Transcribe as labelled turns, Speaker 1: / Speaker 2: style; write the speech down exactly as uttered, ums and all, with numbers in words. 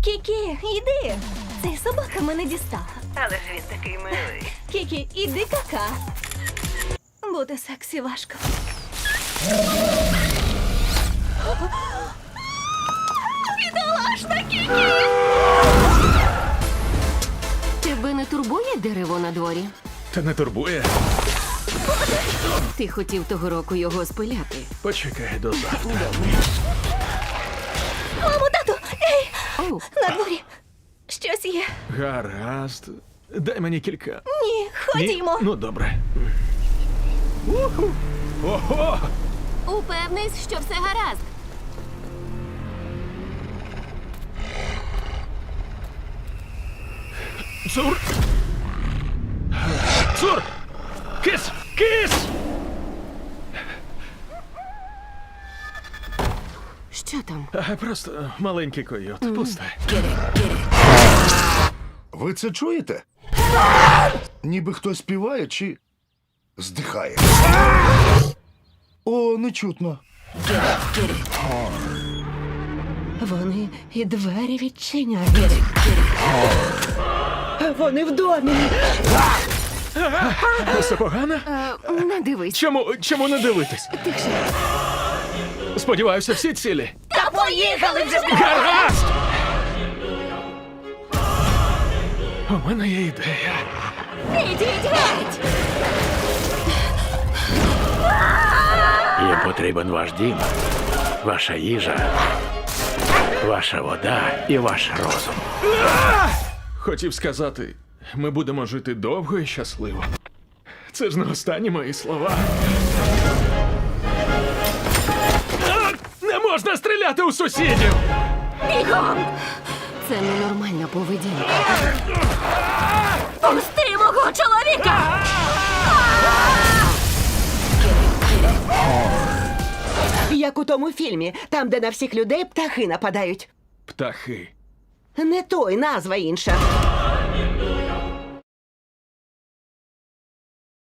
Speaker 1: Кікі, іди. Цей собака мене дістала.
Speaker 2: Але ж він такий милий.
Speaker 1: Кікі, іди кака. Бути сексі важко. Бідолашна Кікі!
Speaker 3: Тебе не турбує дерево на дворі?
Speaker 4: Та не турбує.
Speaker 3: Ти хотів того року його спиляти.
Speaker 4: Почекай до завтра.
Speaker 1: Мамо, тату! Ей!
Speaker 3: Оу,
Speaker 1: На дворі! Щось є.
Speaker 4: Гаразд. Дай мені кілька.
Speaker 1: Ні,
Speaker 4: Ні?
Speaker 1: ходімо.
Speaker 4: Ну, добре. Уху. Ого!
Speaker 3: упевнись, що все гаразд.
Speaker 4: Цур! Цур! Кис! Кис!
Speaker 3: Що там?
Speaker 4: А, Просто маленький койот. Пусте.
Speaker 5: Ви це чуєте? Ніби хтось співає чи здихає. О, не чутно.
Speaker 6: Вони і двері відчиняють. Вони в домі.
Speaker 4: Все погано?
Speaker 3: Е, не дивись.
Speaker 4: Чому, чому не дивитись?
Speaker 3: Тихше.
Speaker 4: Сподіваюся, всі цілі.
Speaker 1: Та поїхали вже!
Speaker 4: Гаразд! У мене є ідея.
Speaker 1: Ідіть геть!
Speaker 7: Їм потрібен ваш дім, ваша їжа, ваша вода і ваш розум.
Speaker 4: Хотів сказати, ми будемо жити довго і щасливо. Це ж не останні мої слова. А! Не можна стріляти у сусідів!
Speaker 3: Це ненормальна поведінка.
Speaker 1: Пусти мого чоловіка!
Speaker 6: Як у тому фільмі, там, де на всіх людей птахи нападають.
Speaker 4: Птахи.
Speaker 6: Не той, назва інша.